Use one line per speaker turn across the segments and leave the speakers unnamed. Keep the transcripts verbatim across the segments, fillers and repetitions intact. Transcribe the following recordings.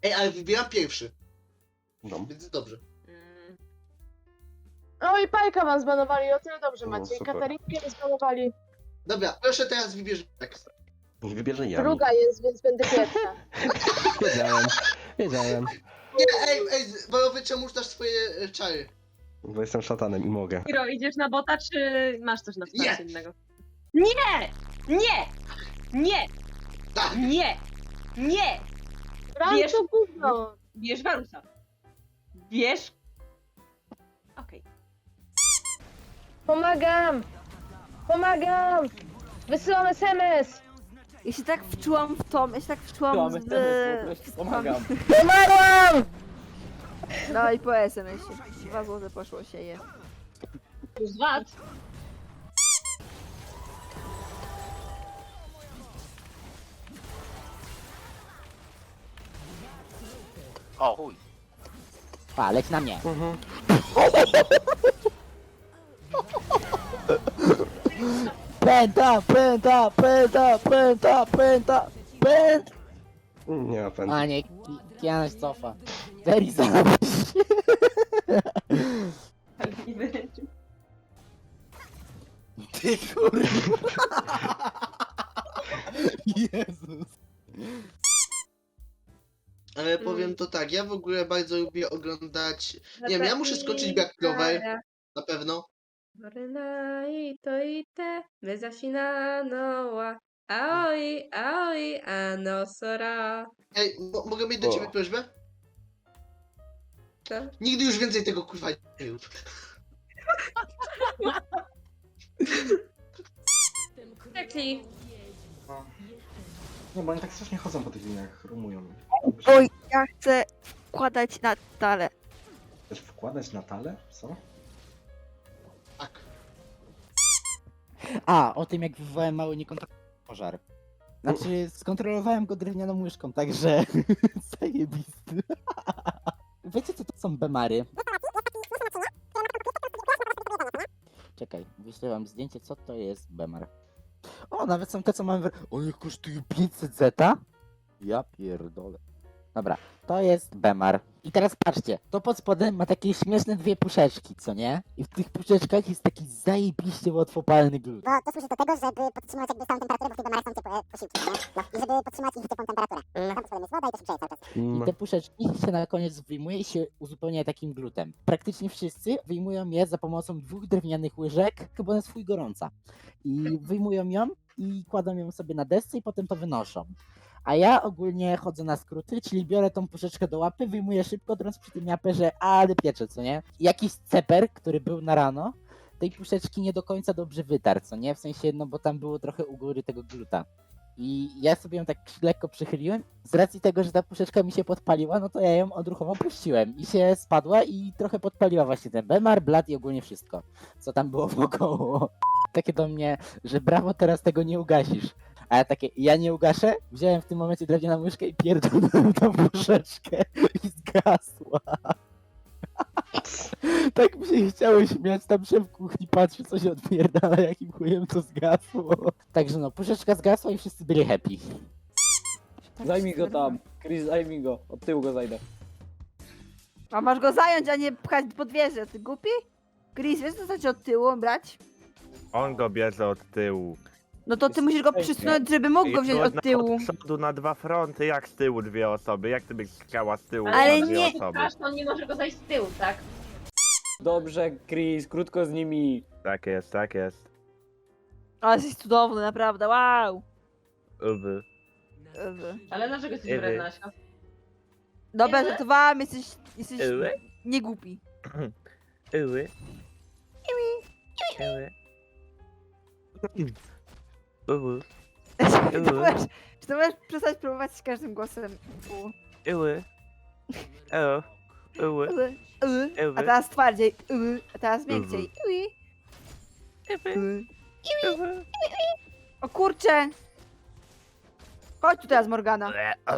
Ej, ale wybieram pierwszy,
No.
więc dobrze.
Mm.
O i Pajka wam zbanowali, o tyle dobrze
O,
macie. I
super.
Katarinkę nie zbanowali.
Dobra, proszę teraz wybierz tekst.
Niech wybierze Yami.
Druga jest, więc będę pierwsza.
Wiedziałem, wiedziałem.
Nie, ej, ej, Balowy, czemu dasz swoje e, czary?
Bo jestem szatanem i mogę.
Hiro, idziesz na bota, czy masz coś na
Nie.
wsparcie innego? Nie! Nie! Nie!
Tak!
Nie! Nie!
Ram
Wiesz-
to gówno.
Bierz Warusa. Bierz... Okej.
Pomagam! Pomagam! Wysyłam es em es!
Ja się tak wczułam w to, ja się tak wczułam
Mamy
w...
teraz, po prostu pomagam.
Pomagam!
No i po es em esie. Dwa złote poszło się je.
Plus dwa.
O chuj. Pa, leć na mnie.
Mhm.
Pęta, pęta, pęta, pęta, pęta, pęta.
Nie ma pędu.
A nie, Kiana się cofa. Very zabić. Ty kurwa. Jezus.
Ale powiem to tak, ja w ogóle bardzo lubię oglądać... Nie wiem, ja muszę skończyć Black Clover, na pewno.
乗れないと言って目指しなのは青い青いあの空
Ej, mo mogę mieć do
O.
ciebie prośbę?
Co?
Nigdy już więcej tego kurwa nie rób.
Taki
Nie, bo oni tak strasznie chodzą po tych liniach, rumują.
Oj, ja chcę wkładać na tale.
Chcesz wkładać na talę? Co?
Tak.
A, o tym jak wywołałem mały niekontrolowany pożar. Znaczy, skontrolowałem go drewnianą łyżką, także zajebisty. Wiecie co to są bemary? Czekaj, wyślę wam zdjęcie, co to jest bemar. O, nawet są te, co mamy... One kosztują pięćset zeta? Ja pierdolę. Dobra, to jest bemar. I teraz patrzcie, to pod spodem ma takie śmieszne dwie puszeczki, co nie? I w tych puszeczkach jest taki zajebiście łatwopalny glut.
Bo to służy do tego, żeby podtrzymywać jakby stałą temperaturę, bo w tych bemarach są ciepłe posiłki, nie? No. I żeby podtrzymać ich ciepłą temperaturę. Tam pod spodem jest woda i to się grzeje cały czas.
I
No.
te puszeczki się na koniec wyjmuje i się uzupełnia takim glutem. Praktycznie wszyscy wyjmują je za pomocą dwóch drewnianych łyżek, chyba na swój gorąca. I wyjmują ją i kładą ją sobie na desce i potem to wynoszą. A ja ogólnie chodzę na skróty, czyli biorę tą puszeczkę do łapy, wyjmuję szybko, drąc przy tym japę, że ale piecze, co nie? Jakiś ceper, który był na rano, tej puszeczki nie do końca dobrze wytarł, co nie? W sensie, no bo tam było trochę u góry tego gluta. I ja sobie ją tak lekko przychyliłem. Z racji tego, że ta puszeczka mi się podpaliła, no to ja ją odruchowo puściłem. I się spadła i trochę podpaliła właśnie ten bemar, blat i ogólnie wszystko, co tam było wokoło. Takie do mnie, że brawo, teraz tego nie ugasisz. A ja takie, ja nie ugaszę? Wziąłem w tym momencie drewnianą łyżkę i pierdolnąłem tą puszeczkę i zgasła. Tak mi się chciało śmiać, tam szef kuchni patrzy, co się odpierdala, jakim chujem to zgasło. Także no, puszeczka zgasła i wszyscy byli happy.
Zajmij go tam. Chris, zajmij go. Od tyłu go zajdę.
A masz go zająć, a nie pchać pod wieżę, ty głupi? Chris, wiesz co znaczy od tyłu brać?
On go bierze od tyłu.
No to ty musisz go przysunąć, żeby mógł go wziąć
Można
od tyłu.
Od przodu na dwa fronty, jak z tyłu dwie osoby? Jak ty byś chciała z tyłu
Ale
na dwie
nie-
osoby?
Aż to on nie może go zajść z tyłu, tak?
Dobrze, Chris, krótko z nimi.
Tak jest, tak jest.
Ale jesteś cudowny, naprawdę, wow.
Uby.
Ewy.
Ale dlaczego jesteś
Ewy.
wredna, Aśka?
Dobra,
Ewy?
żartowałam, jesteś, jesteś
Ewy?
niegłupi.
Uły. Uły. Uły.
Czy to możesz, czy to możesz przestać próbować z każdym głosem? U.
Uły. O. Uły.
Uy, uy.
Ewy.
A teraz twardziej, uy. A teraz miękciej. Uy. Uy.
Uły.
O kurcze! Chodź tu teraz, Morgana.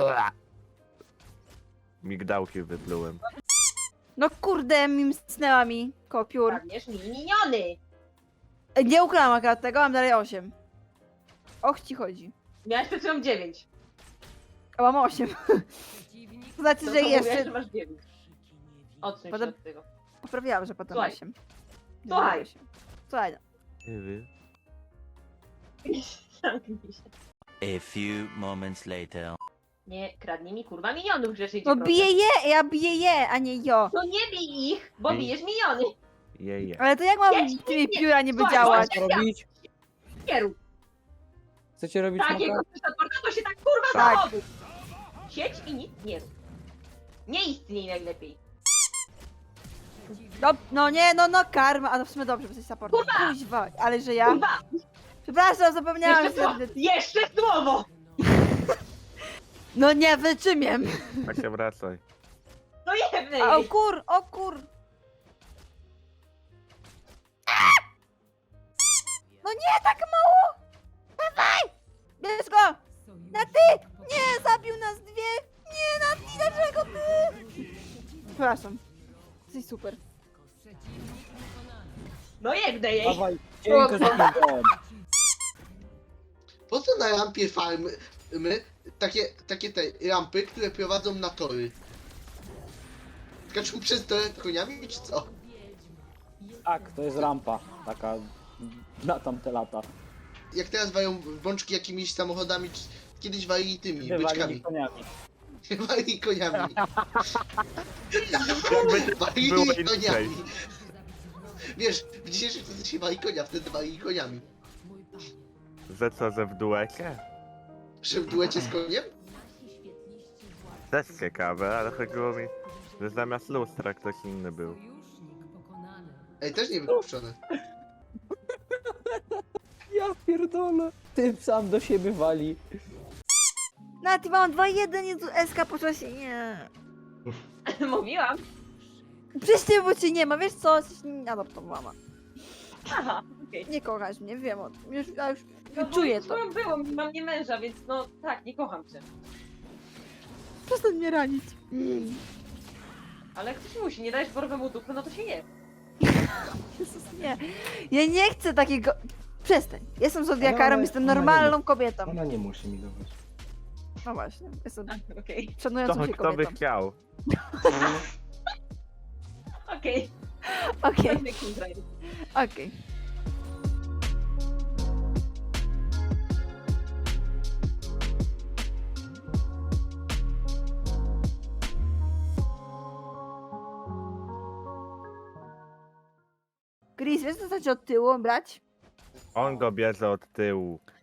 Migdałki wydlułem.
No kurde, mi msnęła mi kopiór.
Kradniesz mi miniony!
E, Nie ukradłam akurat tego, mam dalej osiem. Och ci chodzi.
Miałeś przed chwilą dziewięć.
A mam osiem. znaczy,
To
że
co mówiłaś,
jeszcze...
że masz dziewięć. Odsuń
Potem-
się od tego.
Poprawiłam, że potem
Słuchaj.
osiem.
Słuchaj.
osiem. Słuchaj, no.
Nie wiem.
Zamknij się.
A few moments later.
Nie, kradnij mi kurwa minionów grzecznie cię
No
proszę.
biję je, ja biję je, a nie jo.
No nie bij ich, bo
Bij.
bijesz miniony.
Jeje.
Ale to jak mam
Jedź,
tymi
nie,
pióra niby
słuchaj,
działać?
Co robić?
Nie rób
Chcecie robić
takiego
smoka?
supporta, to się tak kurwa
Tak.
zachoduj. Siedź i nic nie rób. Nie istniej najlepiej.
No, no nie, no no karma, a no w sumie dobrze, bo jesteś supportem.
Kurwa!
Kuźwa, ale że ja...
Kurwa,
Przepraszam, zapomniałam,
jeszcze,
że...
słowo, jeszcze słowo.
No nie, wyczymiem.
A się wracaj.
No jebnej.
A, o kur, o kur. No nie, tak mało! Dawaj! Bierz go! Na ty! Nie, zabił nas dwie! Nie, na ty, dlaczego ty? Przepraszam. Jesteś super.
No jebnej jej.
Dawaj, cienko z piłką.
Po co na rampie farmy my, takie, takie te rampy, które prowadzą na tory? Skaczą przez tory koniami, czy co?
Tak, to jest rampa. Taka na tamte lata.
Jak teraz wają bączki jakimiś samochodami, czy kiedyś walili tymi
Wywalili
byczkami.
koniami.
Walili koniami.
Jakby
Walili
było inaczej.
koniami. Wiesz, w dzisiejszym czasach się wali konia, wtedy walili koniami.
Że co, że w duecie?
Że w duecie z koniem?
Też ciekawe, ale chodziło mi, że zamiast lustra ktoś inny był.
Ej, też nie wypuszczone.
Ja pierdolę. Ty sam do siebie wali.
Na ty mam dwa jeden, Jezu, S K poszła się, nie.
Mówiłam.
Przez ciebie, bo cię nie ma, wiesz co? Jesteś adoptowana.
Aha, okej.
Nie kochasz mnie, wiem o tym. Już, ja już
No bo
czuję to.
swoją byłą, mam nie męża, więc no tak, nie kocham cię.
Przestań mnie ranić.
Ale jak ktoś musi, nie dajesz borowemu dupy, no to się je.
Jezus, nie. Ja nie chcę takiego... Przestań. Jestem zodiakarą,
Ale
jestem
ona nie
normalną
musi.
kobietą.
Ona nie musi mi dawać.
No właśnie, jestem
A, Okej,
szanującą
To
się
kto by
kobietą.
chciał?
okej.
Okej,
Pewnie Kindred.
okej. Chris, wiesz co znaczy od tyłu brać?
On go bierze od tyłu.